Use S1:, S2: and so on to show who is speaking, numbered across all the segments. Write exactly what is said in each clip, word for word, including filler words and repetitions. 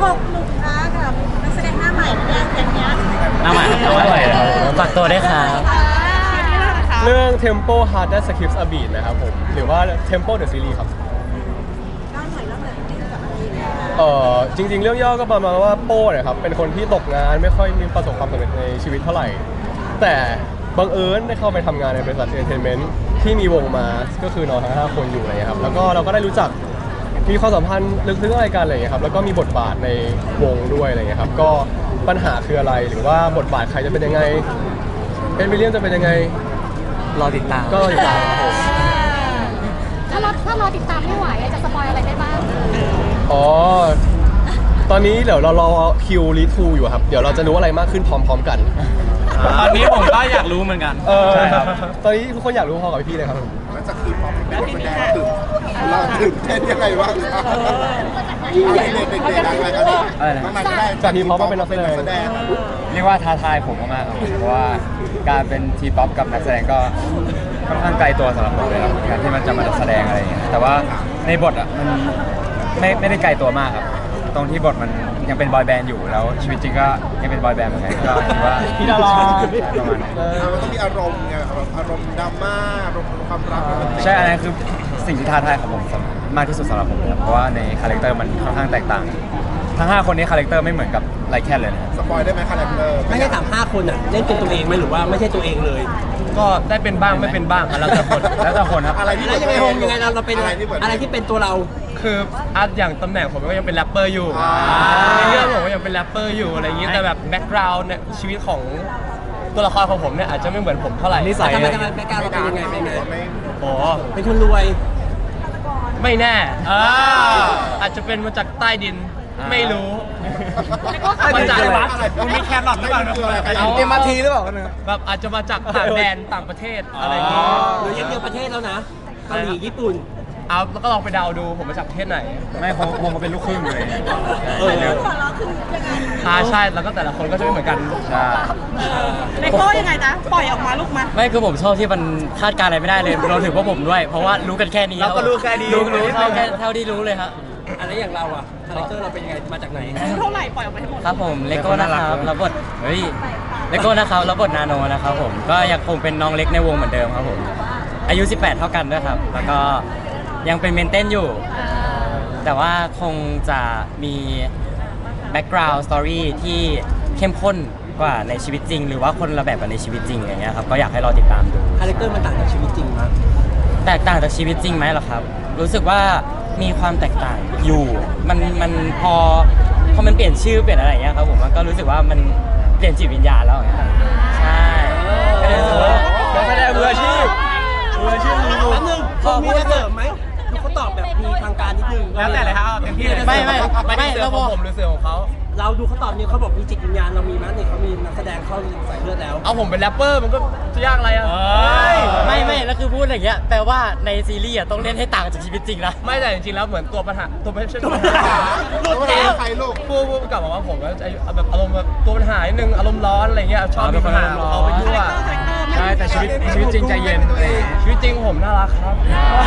S1: กหนุกนะกับนักแสดงหน้าใหม่เนี่ยอย่างเงี้ย
S2: หน้าใหม่หน้าใหม่ฝากตัวได้วยครับ
S3: เรื่อง Tempo Hard That Skips a Beat นะครับผมหรือว่า Tempo the Series ครับ
S1: เล่าหน่อยเล่าหน่อยนิดนึงกับอะไรอย่างเงี้ย
S3: เอ่อจริงๆ เรื่องย่อก็ประมาณว่าโป้เนี่ยครับเป็นคนที่ตกงานไม่ค่อยมีประสบความสำเร็จในชีวิตเท่าไหร่ แต่บังเอิญได้เข้าไปทำงานในบริษัทเอนเตอร์เทนเมนต์ที่มีวงมาก็คือน้องทั้งห้าคนอยู่อะไรเงี้ยครับแล้วก็เราก็ได้รู้จักมีความสัมพันธ์ลึกๆอะไรกันอะไรเงี้ยครับแล้วก็มีบทบาทในวงด้วยอะไรเงี้ยครับก็ปัญหาคืออะไรหรือว่าบทบาทใครจะเป็นยังไงเอ็นวิลเลียมจะเป็นยังไง
S2: รอติดตาม
S3: ก็ติดตามครับผม
S4: ถ้าเราถ้าเราติดตามไม่ไหวจะสปอยอะไรได้บ้าง
S3: อ๋อ ตอนนี้เดี๋ยวเรารอคิวรีทูอยู่ครับ เดี๋ยวเราจะรู้อะไรมากขึ้นพร้อมๆกัน
S2: ตอนนี้ผมก็อยากรู้เหมือนกัน
S3: เออ
S2: ใช่ครับ
S3: ตอนนี้ทุกคนอยากรู้พอกับพี่เลยครับผม
S5: แล้วจะคือพอเป็นคนแสดงตื่นเราตื่นเต้นยังไงบ้างครับเด็กๆเด็กๆอะไรกันน้องนายก็ได้
S3: จากทีมพร้อมมาเป็นนักแสดง
S5: แสดง
S6: เรียกว่าท้าทายผมมากๆครับเพราะว่าการเป็นทีป๊อปกับนักแสดงก็ค่อนข้างไกลตัวสำหรับผมเลยครับการที่มันจะมาแสดงอะไรอย่างเงี้ยแต่ว่าในบทอ่ะมันไม่ไม่ได้ไกลตัวมากครับตรงที่บทมันยังเป็นบอยแบนด์อยู่แล้วชีวิตจริงก็ยังเป็นบอยแบนด์เหมือนกันก็คิดว่า
S3: พี่ดารา
S6: ประมาณนั้น
S3: เออ
S5: มันต้องมีอารมณ์ไงอารมณ์ดราม่าอารมณ์ความรัก
S6: ใช่อันนั้นคือสิ่งที่ท้าทายของผมสำหรับมากที่สุดสำหรับผมนะครับเพราะว่าในคาแรคเตอร์มันค่อนข้างแตกต่างทั้งห้าคนนี้คาแรคเตอร์ไม่เหมือนกับไลแคนเลยนะ
S5: สปอยได้ไหมคาแรคเตอร์
S7: ไม่ใช่ถามห้าคนอ่ะเล่นเป็นตัวเองไหมหรือว่าไม่ใช่ตัวเองเลย
S3: ก็ได้เป็นบ้างไม่เป็นบ้างแล้วแต่คน
S6: แล้วแต่คนครับ
S5: อะไรที่
S7: แล้วยังไงโฮมยังไงเราเราเป็น
S5: อะไรที่เหมือน
S7: อะไรที่เป็นตัวเรา
S3: คืออาร์ตอย่างตำแหน่งผมก็ยังเป็นแรปเปอร์อยู่
S5: อ่า
S3: ในเรื่องผมก็ยังเป็นแรปเปอร์อยู่อะไรอย่างนี้แต่แบบแบ็กกราวด์เนี่ยชีวิตของตัวละครของผมเนี่ยอาจจะไม่เหมือนผมเท่าไหร่นิสัย
S7: ทำไมทำไมแบ็คกราวด์เราเป็นยังไงเป็นยังไง
S5: ไม่
S3: โอ้
S7: เป็นคนรวย
S3: ไม่แน่อ่าอาจจะเป็นมาจากใต้ดินไม่รู้มาจาก
S5: อะไร
S3: มันมีแครอทหรือเปล่า
S5: เอา
S3: เอ็มอาร์ทีหรือเปล่าแบบอาจจะมาจากต่างแดนต่างประเทศอะไรอย่างงี้
S7: หรือยังเดียวประเทศแล้วนะเกาหลีญี่ปุ่น
S3: เอาแล้วก็ลองไปเดาดูผมมาจากประเทศไหน
S6: ไม่คงคงเป็นลูกครึ่งเลย
S7: เออ
S3: อ่าใช่แล้วก็แต่ละคนก็จะไม่เหมือนกัน
S6: ใช่
S1: เลโก้ยังไงนะปล่อยออกมาลูกมา
S2: ไม่คือผมชอบที่มันคาดการณ์อะไรไม่ได้เลยเราถึงว่าผมด้วย เพราะว่ารู้กันแค่นี้
S3: เราก็รู้แค่นี้
S2: รู้รู้เท่าแค่เท่าที่รู้เลยครับ
S7: อะไรอย่างเราอ่ะคาแรคเตอร์เราเป็นยังไงมาจากไหน
S1: เท่าไหร่ปล่อยออกมาให้หมด
S2: ครับผมเลโก้นะครับรับบทเฮ้ยเลโก้นะครับรับบทนาโนนะครับผมก็ยังคงเป็นน้องเล็กในวงเหมือนเดิมครับผมอายุสิบแปดเท่ากันด้วยครับแล้วก็ยังเป็นเมนเต้นอยู่ แต่ว่าคงจะมีแบ็กกราวด์สตอรี่ที่เข้มข้นกว่าในชีวิตจริง หรือว่าคนละแบบกับในชีวิตจริงอย่างเงี้ยครับก็อยากให้รอติดตามดู
S7: คาแรคเตอร์มันต่างจากชีวิตจริงมั้ย
S2: แตกต่างจากชีวิตจริงไหมเหรอครับ รู้สึกว่ามีความแตกต่างอยู่ มันมันพอพอมันเปลี่ยนชื่อเปลี่ยนอะไรอย่างเงี้ยครับผมมันก็รู้สึกว่ามันเปลี่ยนจิตวิญญาณแล้วอย่างเงี้ยครับใช่ก็เลยรู้สึกว่า
S3: นักแสดงมืออาชีพมืออาชีพรู้
S7: แป๊บนึงพอมีจะเสริมไหมดูเขาตอบแบบมีทางการนิดนึง
S3: แล้วแต่เลยครับเต็มที่เลย
S2: ไม่ไม่
S3: ไม่
S2: ไม่
S3: เสือ
S2: แล้ว
S3: ข
S2: พ
S3: อง
S2: อ
S3: ผมหรือเสือของเขา
S7: เราดูเขาตอบเนี่ยเขาบอกมีจิตวิญญาณเรามีมั้ยเนี่ยเขามีนักแสดงเข้าใส่เลือดแล้ว
S3: เอาผมเป็นแรปเปอร์มันก็จะยากอะไรอ่ะ
S2: ไม่ไม่แล้วคือพูดอย่างเงี้ยแปลว่าในซีรีส์อะต้องเล่นให้ต่างจากชีวิตจริงนะ
S3: ไม่แต่จริงๆแล้วเหมือนตัวปัญหาตัวไม่ใช่ตัวปัญหา
S5: ลูกแล้วใครลูก
S3: พูดพูดกลับมาว่าผมก็จะแบบอารมณ์แบบตัวปัญหานิดนึงอารมณ์ร้อนอะไรเงี้ยชอบมีปัญหาเอาไปยั่ว
S6: ใช่แต่ชีวิตชีวิตจริงใจเย็น
S3: ชีวิตจริงผมน่ารักครับ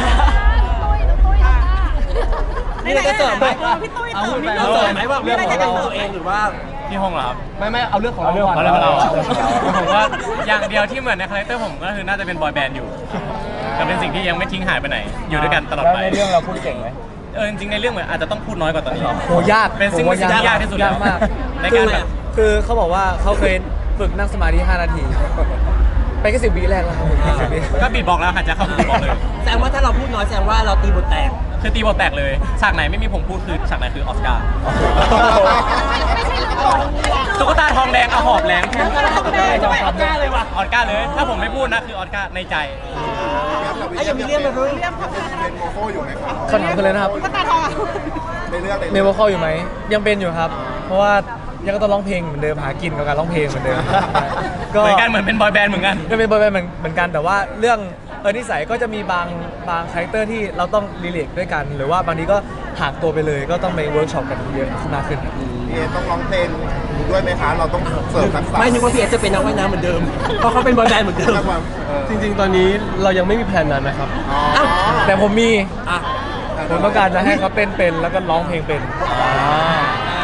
S7: นี่เราจะเสริมไหม
S1: พี่ตุ้ย
S3: เอา
S1: เติม
S3: ไป
S1: นิด
S7: เรา
S1: นึง
S7: เสริมไหมว่าเรื่องของเราตัวเองหรือว่า
S6: พี่ฮงเหรอครับ
S3: ไม่ไม่เอาเรื่องของเราก่อน
S6: เอาเรื่องของเราผมว่าอย่างเดียวที่เหมือนในคาแรคเตอร์ผมก็คือน่าจะเป็นบอยแบนด์อยู่แต่เป็นสิ่งที่ยังไม่ทิ้งหายไปไหน อยู่ด้วยกันตลอดไป
S3: ในเรื่องเราพูดเก่งไหม
S6: เออจริงๆในเรื่องเหมือนอาจจะต้องพูดน้อยกว่าตอนนี้
S3: โหยาก
S6: เป็นสิ่งที่ยากที่สุด
S3: ยากมาก
S6: ในการแบบ
S3: คือเขาบอกว่าเขาเคยฝึกนั่งสมาธิห้านาที ไปแค่สิบวิแรกแล้วครับผม
S6: ก็บีบบอกแล้วค่ะจะเข้าบีบบอกเลย
S7: แสดงว่าถ้าเราพูดน้อยแสดงว่าเราตีบทแตก
S6: คือตีบทแตกเลยฉากไหนไม่มีผมพูดคือฉากไหนคือออสการ์ตุ๊กตาทองแดงเอาหอบแรงแทน
S7: ทองแดงทำไมออสการ์เลยว่ะ
S6: ออสการ์เลย ถ้าผมไม่พูดนะคือออสการ์ในใจ
S7: ไอ้ยังมีเรื่องมาเพิ่ม
S5: เป็นโมโคอยู่ไหมครับ
S3: คนถามกันเลยนะครับ
S1: ตาทองอ่ะ
S5: ในเรื่องใน
S3: เมโมคอลอยู่ไหมยังเป็นอยู่ครับ เพราะว่ายังก็ต้องร้องเพลงเหมือนเดิมหากินกับการร้องเพลงเหมือนเดิม
S6: เหมือนกันเหมือนเป็นบอยแบนด์เหมือนกัน
S3: ก็เป็นบอยแบนด์เหมือนเหมือนกันแต่ว่าเรื่องเออนิสัยก็จะมีบางบางคาแรคเตอร์ที่เราต้องรีเลทด้วยกัน หรือว่าบางทีก็ห่างตัวไปเลยก็ต้องไปเวิร์กช็อปกันเยอะมากขึ้น
S5: เอต้องร้องเพลงด้วยไหมคะเราต้องเสริมทักษะ
S7: ไม่นึกว่าพี่เอสจะเป็นนักว่ายน้ำเหมือนเดิม เพราะเขาเป็นบอยแบนด์เหมือนเดิม
S3: จริงๆ ตอนนี้เรายังไม่มีแผนนั้นนะครับ
S7: อ้าว
S3: แต่ผมมี
S7: อ่ะ
S3: ผมต้องการจะให้เขาเต้นเป็นแล้วก็ร้องเพลงเป็น
S7: เ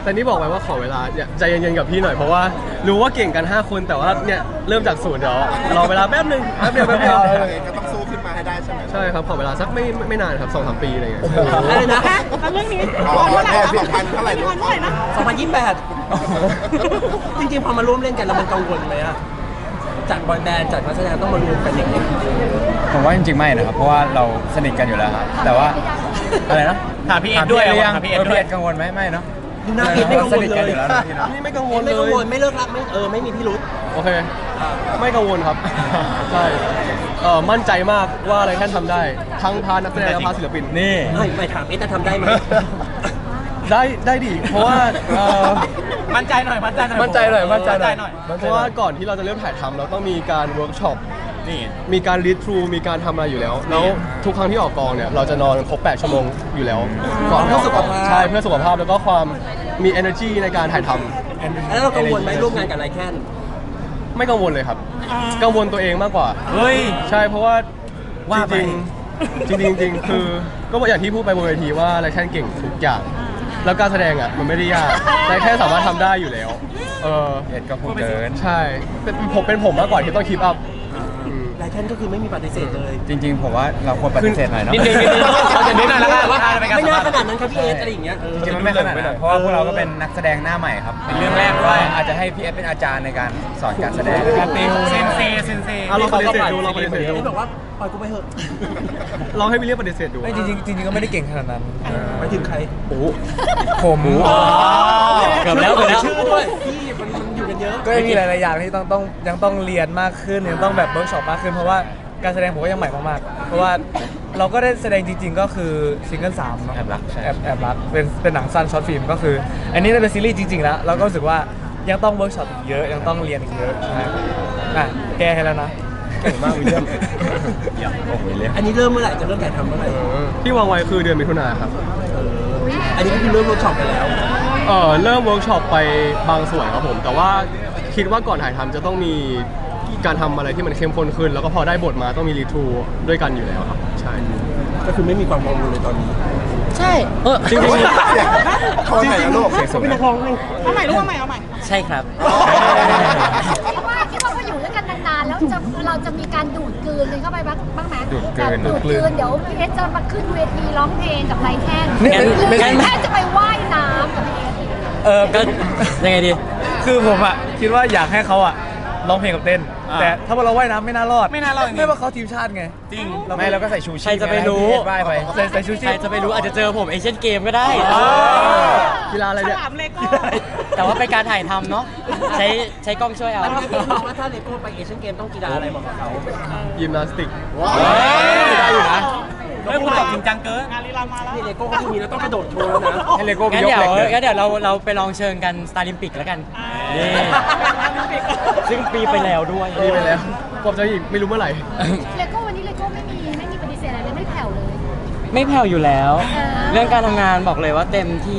S3: แต่นี่บอกไว้ว่าขอเวลาเนี่ยใจเย็นๆกับพี่หน่อยเพราะว่ารู้ว่าเก่งกันห้าคนแต่ว่าเนี่ยเริ่มจากศูนย์เดี๋ยวรอเวลาแป๊บนึงแป๊บเดียวแป๊บเดียว
S5: ก็ต้องสู้ขึ้นมาให้ได้ใช่ไหม
S3: ใช่ครับขอเวลาสักไม่ไม่ไม่นานครับสองสามปีอะไรเงี้ย
S7: อะไรนะ
S1: แล้วเรื่องนี้
S5: อ๋อ
S1: เมื่อไหร่
S5: แค่
S1: นะ
S5: สองพันเท่าไหร่
S1: พี่
S5: ลู
S1: พั
S5: ก
S1: นเมื่อไหร่นะ
S7: สองพันยี่สิบแปดจริงๆพอมาร่วมเล่นกันแล้วมันกังวลไหมอะจากบอยแบนด์จากนักแสดงต้องมารวมกันอย่างนี้
S6: ผมว่าจริงๆไม่นะครับเพราะว่าเราสนิทกันอยู่แล้วครับแต่ว่าอะไรนะ
S2: ถามพี่เอ็ดด้วย
S6: ถามพี่เอ็ดหรือยัง
S2: ถามพี่
S6: เอ
S2: เอ็
S6: อ
S2: ดด้วย
S6: พี่เอ็ดกังวลไหมไม่เนาะ
S7: ดูหน้าพีทไม่กังว
S6: ส
S7: ล
S6: นิท
S7: เล
S6: กัน
S7: ย
S6: อยู่แล้วนะพี่เนาะ
S3: นี่ไม่กังวล
S7: ไม่
S3: เล
S7: กังวย ลไม่เลิกรักไม่เออไม่มีพิรุษ
S3: โอเค ไม่กังวลครับ ใช่เออมั่นใจมากว่าอะไรแค่ทำได้ ทั้งพานักแสดงและพาศิลปิน
S2: นี่
S7: ไม่ไม่ถามเอ๊ะจะทำได้ไหม
S3: ได้ได้ดิเพราะว่าเอ่อ
S2: มั่นใจหน่อยมั่นใจหน่อย
S3: มั่นใจหน่อยมั่นใจหน่อย
S2: หน่อย
S3: เพราะว่าก่อนที่เราจะเริ่มถ่ายทำเราต้องมีการเวิร์กช็อป
S2: นี่
S3: มีการรีดทรูมีการทำอะไรอยู่แล้ว แล้วทุกครั้งที่ออกกองเนี่ยเราจะนอนครบแปดชั่วโมงอยู่แล้วก่อน
S7: เพื่อสุขภาพ
S3: ใช่เพื่อสุขภาพแล้วก็ความมี energy ในการถ่ายทำ
S7: แล้วเรากังวลไหมร่วมงานกับไรแคน
S3: ไม่กังวลเลยครับ กังวลตัวเองมากกว่า
S2: เฮ้ย
S3: ใช่เพราะว่า
S2: ว่าไป
S3: จริงๆจริงๆจริงๆคือก็อย่างที่พูดไปบนเวทีว่าไรแค่เก่งทุกอย่าง แล้วการแสดงอ่ะมันไม่ได้ยากไรแค่สามารถทำได้อยู่แล้วเออ
S6: เอ็ดก็พูดเกิน
S3: ใช่เป็นผมเป็นผมมากกว่าที่ต้องคีปอัพ
S7: ไรแคนก็คือไม่มีปฏิเสธเลย
S6: จริงๆ ผมว่าเราควรปฏิเสธหน่อยเนาะ
S2: นิดนึงนิดนึงเอาอย่างนี้หน่อยแล้วกัน
S7: ว่า
S2: อ่าเป็นการ
S7: ไม่
S2: สัม
S7: น่า
S2: ภาษณ์
S7: ขนาดนั้นครับพี่เอสอะไรอย่างเงี้ยเออ
S6: จริงๆมันไม่ขนาดนั้นเพราะว่าพวกเราก็เป็นนักแสดงหน้าใหม่ครับ
S2: เป็นเรื่องแรกด้วย
S6: อาจจะให้พี่เอสเป็นอาจารย์ในการสอนการแสดง
S2: การติวเซนเซเซนเซ
S3: อ่ะลองปฏิเสธดูลองปฏิเสธ
S7: เอ
S3: ดู
S7: สบอกว่าปล่อยกูไปเถอะ
S3: ลองให้วิลเลียมปฏิเสธดู
S6: ไม่จริงๆจริงๆก็ไม่ได้เก่งขนาดนั้น
S7: ไปถึงใคร
S3: โอ้โห
S6: ผม
S2: เกือบแล้วเกือบแล้ว
S7: ชื่อด้วยพี่มันมันอยู่กันเยอะ
S8: ก็ยังมีหลายๆอย่างที่ต้องต้องยังต้องเรียนมากขึ้นยังต้องแบบเวิร์กช็อปมากขึ้นเพราะว่าการแสดงผมก็ยังใหม่มากๆเพราะว่าเราก็ได้แสดงจริง ๆ ก็คือซิงเกิลสามเนาะ
S6: แอบรักใช่
S8: แอบแอบรักเป็นเป็นหนังสั้นช็อตฟิล์มก็คือ อันนี้เป็นซีรีส์จริง ๆ แล้วเราก็รู้สึกว่ายังต้องเวิร์กช็อปอีกเยอะยังต้องเรียนอีกเยอะนะอ่ะแก้ให้แล้วนะ
S3: เก่งมากวิลเลียม
S6: โอ้โหเรียก
S7: อันนี้เริ่มเมื่อไหร่จะเริ่มถ่ายทำเมื่อไหร่
S3: ที่วางไว้คือเดือนมิถุนาครับ
S7: อันนี้ก็คือเริ่มเวิร์กช็อปไปแล้ว
S3: เออเริ่มเวิร์กช็อปไปบางส่วนครับผม แต่ว่าคิดว่าก่อนถ่ายทำจะต้องมีการทำอะไรที่มันเข้มข้นขึ้น แล้วก็พอได้บทมาต้องมีรีทรูด้วยกันอยู่แล้วครับ ใช่
S7: ก็คือไม่มีความกังวลเลยตอนนี้
S1: ใช่
S2: เออ
S3: จริงๆ
S5: เขาไหนนะลูก
S7: เป็นนักร้องเลย
S1: เอาใหม่ลูกเอาใหม่เอาใหม่
S2: ใช่ครับ
S4: คิดว่าคิดว่าพออยู่ด้วยกันนานๆแล้วจะเราจะมีการดูดกลืนกันเข้าไปบ้างบ้างไหม
S6: ดูดกลืน
S4: แบบดูดกลืนเดี๋ยวพี่เอสจะมาขึ้นเวทีร้องเพลงกับไรแค่น
S2: งั้น
S4: หรือ
S2: งั้น
S4: แค่จะไปว่ายน้ำกับพี่เอส
S8: เออ
S2: ก็ยังไงดี
S8: คือผมอ่ะคิดว่าอยากให้เขาอ่ะร้องเพลงกับเต้น
S2: อ่า
S8: แต่ถ้าเราว่ายน้ำไม่น่ารอด
S2: ไม่น่ารอดจริงๆ
S8: ไม่ว่าเขาทีมชาติไง
S2: จริง
S6: ไม่เราก็ใส่ชูชีพ
S2: ใครจะไปรู้
S6: ให้พี่เอสว่ายไป
S8: ใส่ใส่ชูชี
S2: ใคร
S8: พ
S2: จะไปรู้อาจจะเจอผมเอเชียนเกมก็ได้
S3: กีฬาอะไร
S1: ฉ
S3: เนี่ย
S1: ลามเลโก้
S2: แต่ว่าเป็นการถ่ายทำเนาะใช้ใช้กล้องช่วยเอา
S7: แล้วพี่เอสบอกว่าถ้าเลโก้ไปเอเชียนเกมต้องกีฬาอะไรบอกกับเขา
S3: ยิมนาสติก
S5: ว้าว
S3: ได้อยู่นะ
S2: เฮ้ยคุณตอบจริงจังเกิน
S1: งานลีลามาแล้ว
S7: นี่เลโก้ก็คือมีแล้วต้องกระโดดโชว์แล้วนะ
S6: ให้เลโก้ไป
S2: งั้น
S6: ยก
S2: เดี๋ยว
S6: เหล็กเลย
S2: งั้นเดี๋ยวเราเราไปลองเชิญกันสตาร์ลิมปิกแล้วกันนี่ซึ่งปีไปแล้วด้วย
S3: มีไปแล้วผมจะอีกไม่รู้เมื่อไหร่
S4: เลโก้วันนี้เลโก้ไม่มีไม่มีปฏิเสธอะไรเลยไม่แผ่วเลย
S2: ไม่แผ่วอยู่แล้ว
S4: เออ
S2: เรื่องการทำงานบอกเลยว่าเต็มที่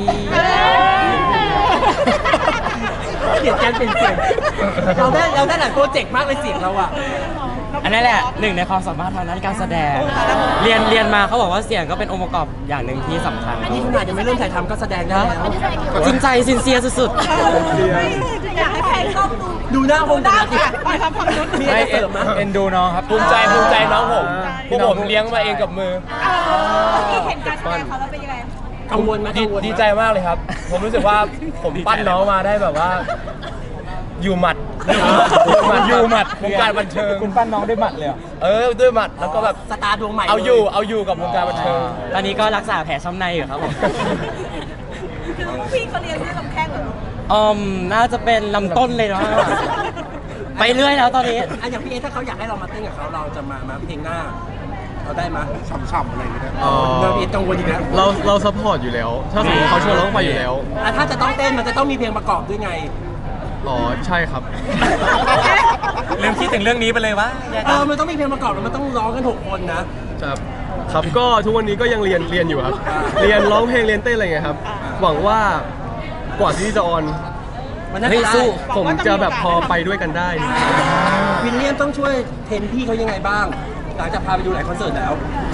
S7: เปลี่ยนการเปลี่ยนเสียงเราได้เราได้หลายโปรเจกต์มากเลยเสียงเราอะ
S2: อันนั้นแหละหนึ่งในความสามารถทางด้านการแสดง เรียนเรียนมาเขาบอกว่าเสียงก็เป็นองค์ประกอบอย่างหนึ่งที่สำคัญ
S7: อันนี้ขนาดยังไม่เริ่มถ่ายทำก็แสดงได้แล้ว
S4: อันนี้แสดงอยู่
S2: จริงใจซินเซียสุด
S1: อยากให้ใครชอบดู
S7: ดูหน้าคง
S1: ได้
S7: จะ
S1: ค่ะไปทำความรู้
S7: มี
S6: ไม่
S7: อะไรเสริมนะ
S6: เอ็นดูน้องครับ
S8: ภูมิใจภูมิใจน้องผมพวกผม
S6: พี่น้อง
S8: เลี้ยงมาเองกับมือ
S1: ที่เห็นการแสดงเขาแล้วเป็นยังไง
S7: กังวลไหม
S8: ดี
S7: กังวลไหม
S8: ดีใจมากเลยครับ ผมรู้สึกว่าผมปั้นน้องมาได้แบบว่า อยู่หมัดอยู่หมัดอยู่หมัดวงการบันเทิง
S6: คุณปั้นน้องด้วยหมัดเลยเหรอ
S8: เออด้วยหมัดแล้วก็แบบ
S7: สตาร์ดวงใหม่
S8: เอาอยู่เอาอยู่กับวงการบันเทิง
S2: ๆ ตอนนี้ก็รักษาแผลช้ำในอยู่ครับผม
S1: คือพี่เขาเรียนด้วยลำแข้งเหรอ
S2: อืมน่าจะเป็นลำต้นเลยเนาะไปเรื่อยแล้วตอนนี้
S7: อันอย่างพี่เอถ้าเขาอยากให้เรามาเต้นกับเขาเราจะมามาเพลงหน้าเราได้ไหม
S5: ฉ่ำๆอะไรอย่างเงี้ย
S3: เอ่อ
S7: เราพี่เอกังวลอีกแล้ว
S3: เราเราซัพพอร์ตอยู่แล้ว ถ้าสมมติเขาชวนเราต้องไปอยู่แล้ว
S7: อ่ะถ้าจะต้องเต้นมันจะต้องมีเพลงประกอบด้วยไง
S3: อ๋อ ใช่ครับ
S2: เริ่มคิดถึงเรื่องนี้ไปเลยวะ
S7: เออมันต้องมีเพลงประกอบแล้วมันต้องร้องกันหกคนนะ
S3: ครับ ครับ ก็ทุกวันนี้ก็ยังเรียนเรียนอยู่ครับ เรียนร้องเพลงเรียนเต้นอะไรเงี้ยครับ หวังว่ากว่าที่จะออน
S7: มันน่า
S2: เฮ้ย
S7: จะได้
S2: สู้
S3: ผมจะแบบพอไปด้วยกันได้
S7: วิลเลียมต้องช่วยเทรนพี่เขายังไงบ้าง หลังจากพาไปดูหลายคอนเสิร์ตแล้ว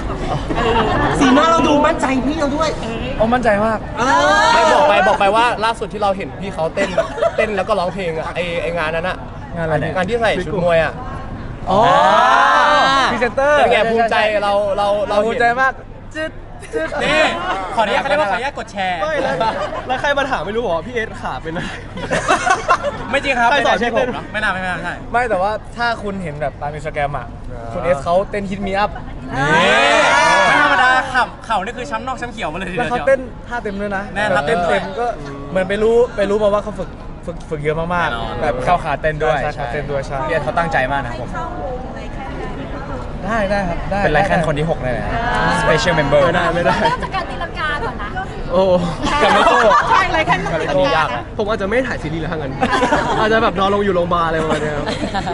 S7: สีหน้าเราดูมั่นใจพี่เราด้วย
S8: โอ้มั่นใจมาก
S3: ไม่บอกไปบอกไปว่าล่าสุดที่เราเห็นพี่เขาเต้นเต้นแล้วก็ร้องเพลงอะไอไองานนั้นอะ
S8: งานอะไรเนี่ย
S3: งานที่ใส่ชุดมวยอะ
S8: อ๋อพรีเซนเตอร์
S3: เป็นไงภูมิใจเราเราเรา
S8: เราภูมิใจมากจึ๊ดจึ๊ด
S2: นี่ขออนุญาตเขาเรียกว่าขออนุญาตกดแชร์
S3: ไม่แล้วแล้วใครมาถามไม่รู้บอกว่าพี่เอสขาเป็นอะไร
S2: ไม่จริงครับ
S3: ใครสอน
S2: ไม่ใช่
S3: เต้น
S2: ผมไม่น่าไม่น่าไม่ใช่
S8: ไม่แต่ว่าถ้าคุณเห็นแบบตามอินสตาแกรมอ่ะคุณเอสเขาเต้นฮิตมีอัพ
S2: ไม่ธรรมดาเข่าเข่านี่คือช้ำนอกช้ำเขียวมาเลยที
S8: แล้ว
S2: เดียว
S8: เขาเต้นท่าเต็มด้วยนะ
S2: แน่น
S8: แบบเต้น
S2: ครับ
S8: เต็มก็เหมือนไปรู้ไปรู้มาว่าเขาฝึกฝึกฝึกเยอะมาก
S2: แน่นอน
S8: ๆแบบ
S6: เข้าขาเต้นด้วย
S8: ใช่ขาเต้นด้วยใช่
S6: เรียนเขาตั้งใจมากนะครับผม
S1: เข้าวงอะไรแค่ไหน
S8: ได้ได้ครับได้
S6: เป็นไรแค่คนที่หกเลยนะ Special Member
S3: ไม่ได้ไม่ได้
S4: เริ่มจากการตีลังกาก่อนนะ
S3: โอ้
S6: กับไม่โต้
S1: ใช่อะไรแค่ไหน
S6: อันนี้ยากนะ
S3: ผมอาจจะไม่ถ่ายซีรีส์แล้วทั้งนั้น อาจจะแบบนอนลงอยู่โรงพยาบาลอะไรประมาณเนี้ยครับ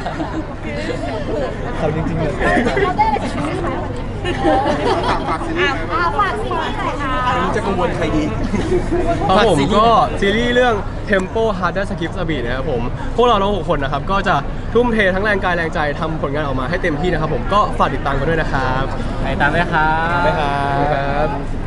S8: เขาจริงๆเลย
S4: เราได้อะไรจากซีรีส์ไหมวันนี้
S5: ฝากฝากซีรีส์ไหม
S4: อ่าฝากซีรีส์หน่อยค่ะ
S7: ไม่รู้จะกังวลใครดี
S3: ครับผมก็ซีรีส์เรื่อง Tempo Harder Skips a Beat นะครับผม พวกเราทั้งหกคนนะครับ ก็จะทุ่มเททั้งแรงกายแรงใจทำผลงานออกมาให้เต็มที่นะครับผมก็ฝากติดตามกันด้วยนะครับ
S2: ไปตามด้วยครับ
S3: ครับ